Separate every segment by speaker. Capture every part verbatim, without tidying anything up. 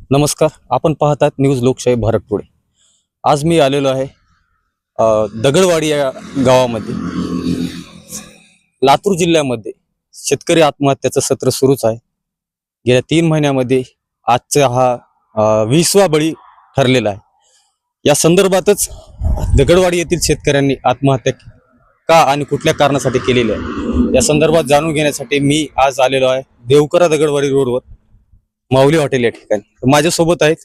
Speaker 1: नमस्कार, आपण पाहतात न्यूज लोकशाही भारत टुडे. आज मी आलेलो आहे अ, दगडवाडी या गावामध्ये. लातूर जिल्ह्यामध्ये शेतकरी आत्महत्याचं सत्र सुरूच आहे. गेल्या तीन महिन्यामध्ये आजचा हा अ, वीसवा बळी ठरलेला आहे. या संदर्भातच दगडवाडी येथील शेतकऱ्यांनी आत्महत्या का आणि कुठल्या कारणासाठी केलेली आहे या संदर्भात जाणून घेण्यासाठी मी आज आलेलो आहे देवकरा दगडवाडी रोडवर माऊली हॉटेल या ठिकाणी. माझ्यासोबत आहेत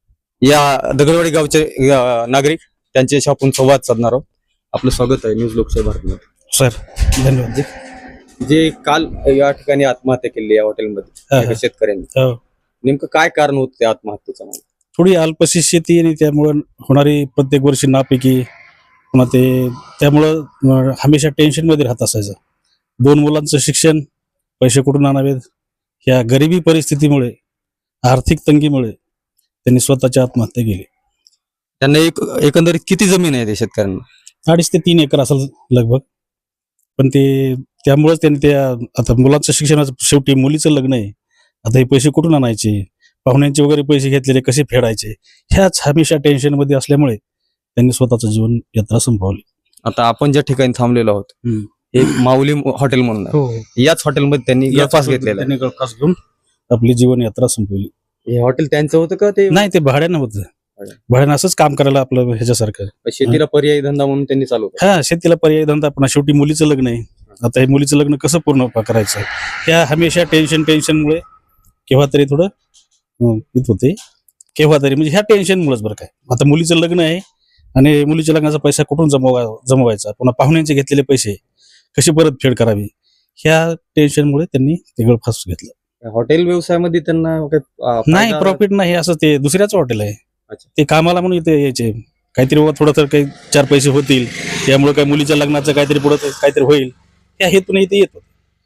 Speaker 1: या दगडवाडी गावचे अ, नागरिक, त्यांच्याशी आपण संवाद साधणार आहोत. आपलं स्वागत आहे न्यूज लोकशाही भारतमध्ये.
Speaker 2: सर धन्यवाद.
Speaker 1: जे- जे काल या ठिकाणी आत्महत्या केली या हॉटेलमध्ये
Speaker 2: हा,
Speaker 1: एका
Speaker 2: हा.
Speaker 1: शेतकऱ्यांनी,
Speaker 2: हो.
Speaker 1: नेमकं काय कारण होतं त्या आत्महत्येचं? मला
Speaker 2: थोडी अल्पशी शेती आणि त्यामुळं होणारी प्रत्येक वर्षी नापिकी पुन्हा ते त्यामुळं अं, हमेशा टेन्शनमध्ये राहत असायचं. दोन मुलांचं शिक्षण, पैसे कुठून आणावेत, ह्या गरिबी परिस्थितीमुळे, आर्थिक तंगीमुळे त्यांनी स्वतःची आत्महत्या केली.
Speaker 1: त्यांना एक एकंदरीत किती जमीन आहे त्या शेतकऱ्यांना?
Speaker 2: अडीच ते तीन एकर असेल लगभग. पण ते त्यामुळेच त्यांनी त्या आता मुलांचं शिक्षणाचं, शेवटी मुलीचं लग्न आहे, आता हे पैसे कुठून आणायचे, पाहुण्यांचे वगैरे पैसे घेतलेले कसे फेडायचे, ह्याच हमेशा टेन्शनमध्ये असल्यामुळे त्यांनी स्वतःचं जीवन यात्रा संपवली.
Speaker 1: आता आपण ज्या ठिकाणी थांबलेलो आहोत
Speaker 2: हम्म.
Speaker 1: एक माऊली हॉटेल म्हणून आहे.
Speaker 2: हो,
Speaker 1: याच हॉटेलमध्ये त्यांनी गळफास घेतलेला आहे.
Speaker 2: त्यांनी गळफास घेऊन आपली जीवन यात्रा संपवली.
Speaker 1: हे हॉटेल त्यांचं होतं का ते
Speaker 2: नाही, ते भाड्यानं होतं. भाड्यानं असंच काम करायला आपलं ह्याच्यासारखं.
Speaker 1: शेतीला पर्यायी धंदा म्हणून त्यांनी चालू केलं?
Speaker 2: हा, शेतीला पर्यायी धंदा. पण शेवटी मुलीचं लग्न आहे, आता हे मुलीचं लग्न कसं पूर्ण करायचं, ह्या हमेशा टेन्शन टेन्शनमुळे केव्हा तरी थोडं अं, येत होते, केव्हा तरी म्हणजे ह्या टेन्शनमुळेच. बरं काय, आता मुलीचं लग्न आहे आणि मुलीच्या लग्नाचा पैसा कुठून जमवा जमवायचा, पुन्हा पाहुण्यांचे घेतलेले पैसे कशी परतफेड करावी, ह्या टेन्शनमुळे त्यांनी ते गळफास घेतलं.
Speaker 1: हॉटेल व्यवसायामध्ये त्यांना काही, अं,
Speaker 2: नाही,
Speaker 1: फायदा-
Speaker 2: प्रॉफिट नाही, असं ते दुसऱ्याच हॉटेल आहे.
Speaker 1: अच्छा.
Speaker 2: ते कामाला म्हणून इथे यायचे, काहीतरी बाबा थोडं तर काही चार पैसे होतील, त्यामुळे काही मुलीच्या लग्नाचं काहीतरी पुढं काहीतरी होईल, ह्या हेतून इथे येत होते.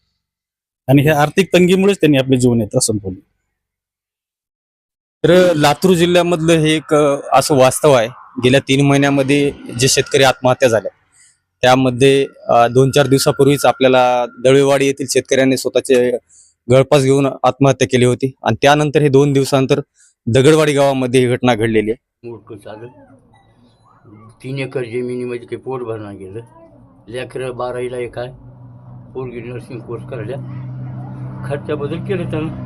Speaker 2: आणि ह्या आर्थिक तंगीमुळेच त्यांनी आपली जीवन यात्रा संपवली.
Speaker 1: तर लातूर जिल्ह्यामधलं हे एक अं, असं वास्तव आहे. गेल्या तीन महिन्यामध्ये जे शेतकरी आत्महत्या झाल्या त्यामध्ये अं, दोन चार दिवसापूर्वीच आपल्याला दळवेवाडी येथील शेतकऱ्यांनी स्वतःचे गळफास घेऊन आत्महत्या केली होती आणि त्यानंतर हे दोन दिवसानंतर दगडवाडी गावामध्ये ही घटना घडलेली आहे.
Speaker 3: मोठं चालत तीन एकर जमिनीमध्ये काही पोट भरणं गेलं. लेकरं बारावीला एक आहे, पोरगी नर्सिंग कोर्स करायला, खर्चाबद्दल केलं त्यानं.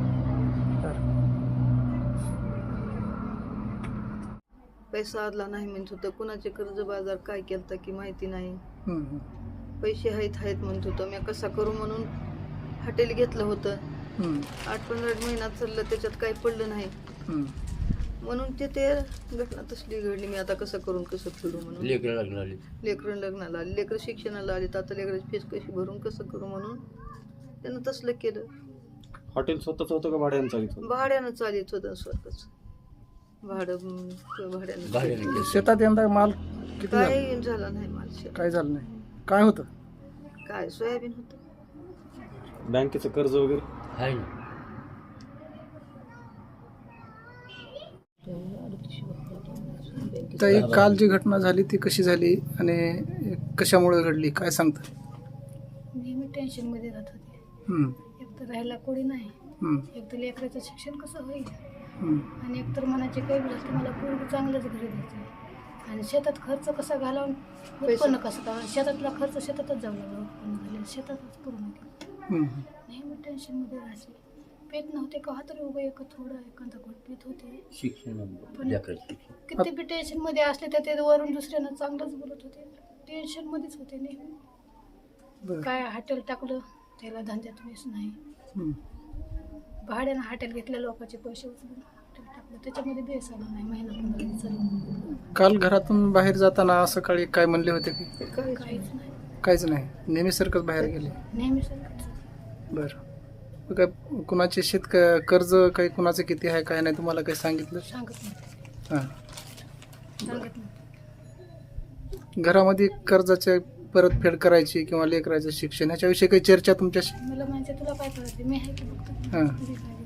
Speaker 4: पैसा आदला नाही म्हणत होतं, कुणाचे कर्ज बाजार काय केलं की माहिती नाही. पैसे आहेत आहेत म्हणत होतं. मी कसा करू म्हणून हॉटेल घेतलं होतं. आठ पंधरा महिन्यात चाललं, त्याच्यात काही पडलं नाही म्हणून ते ते घटना तसली घडली. मी आता कसं करून कसं फेडू म्हणून.
Speaker 3: लेकरं लग्न आली,
Speaker 4: लेकरं लग्नाला आले, लेकरं शिक्षणाला आले, आता लेकराची फीस कशी भरून कसं करू म्हणून त्यानं तसलं केलं.
Speaker 1: हॉटेल स्वतःच होतं का भाड्यानं चालित होतं?
Speaker 4: भाड्यानं चालित होतं स्वतःच. भाडं अं, भाड्यानं
Speaker 3: भाड्यानं केलं.
Speaker 5: शेतात यंदा माल किती झाला?
Speaker 4: काय झालं नाही माझ्या.
Speaker 5: काय झालं नाही? काय होतं?
Speaker 4: काय सोयाबीन होतं.
Speaker 1: बँकेचं कर्ज वगैरे
Speaker 3: आहे ना.
Speaker 5: तर एक काल जी घटना झाली ती कशी झाली आणि कशामुळे घडली, काय सांगता?
Speaker 6: नेहमी टेन्शनमध्ये राहत होते.
Speaker 5: हम्म,
Speaker 6: एक तर राहायला कोणी नाही,
Speaker 5: हम्म,
Speaker 6: एक तर लेकराचं शिक्षण कसं होईल,
Speaker 5: हम्म,
Speaker 6: आणि एक तर मनाचे काही झालं की मला पूर्ण चांगलंच घरी द्यायचं, आणि शेतात खर्च कसा घालवून उत्पन्न कसं का, शेतातला खर्च शेतातच जाऊ लागला, उत्पन्न झालं शेतातच पूर्ण केलं.
Speaker 5: हम्म.
Speaker 6: नेहमी टेन्शनमध्ये राहायचे. पेत नव्हते का तरी उभं एक थोडं एखादा घोट पेत होते.
Speaker 3: शिक्षण
Speaker 6: पण
Speaker 3: लेकराचं शिक्षण.
Speaker 6: किती बी टेन्शनमध्ये असले तर ते वरून दुसऱ्यानं चांगलंच बोलत होते. टेन्शनमध्येच होते नेहमी.
Speaker 5: बरं.
Speaker 6: काय हॉटेल टाकलं त्याला धंद्यात वीस नाही,
Speaker 5: हम्म.
Speaker 6: भाड्यानं हॉटेल घेतल्या लोकांचे पैसे उचलून हॉटेल टाकलं, त्याच्यामध्ये बेस आला नाही. महिना पंधरा दिवस चालू.
Speaker 5: काल घरातून बाहेर जाताना सकाळी काय म्हणले होते की?
Speaker 6: काहीच नाही,
Speaker 5: काहीच नाही, नेहमीसारखंच बाहेर गेले.
Speaker 6: नेहमी सारखंच.
Speaker 5: बरं. मग काय कुणाचे शेत कर्ज काही कुणाचं किती आहे काय नाही तुम्हाला काही सांगितलं?
Speaker 6: सांगत नाही,
Speaker 5: हां.
Speaker 6: सांगत नाही.
Speaker 5: घरामध्ये कर्जाचे परतफेड करायची किंवा लेकराचं शिक्षण ह्याच्याविषयी काही चर्चा तुमच्याशी?
Speaker 6: मला म्हणजे तुला काय करायचं, मी आहे की बघतो
Speaker 5: हां.
Speaker 6: तुझी काय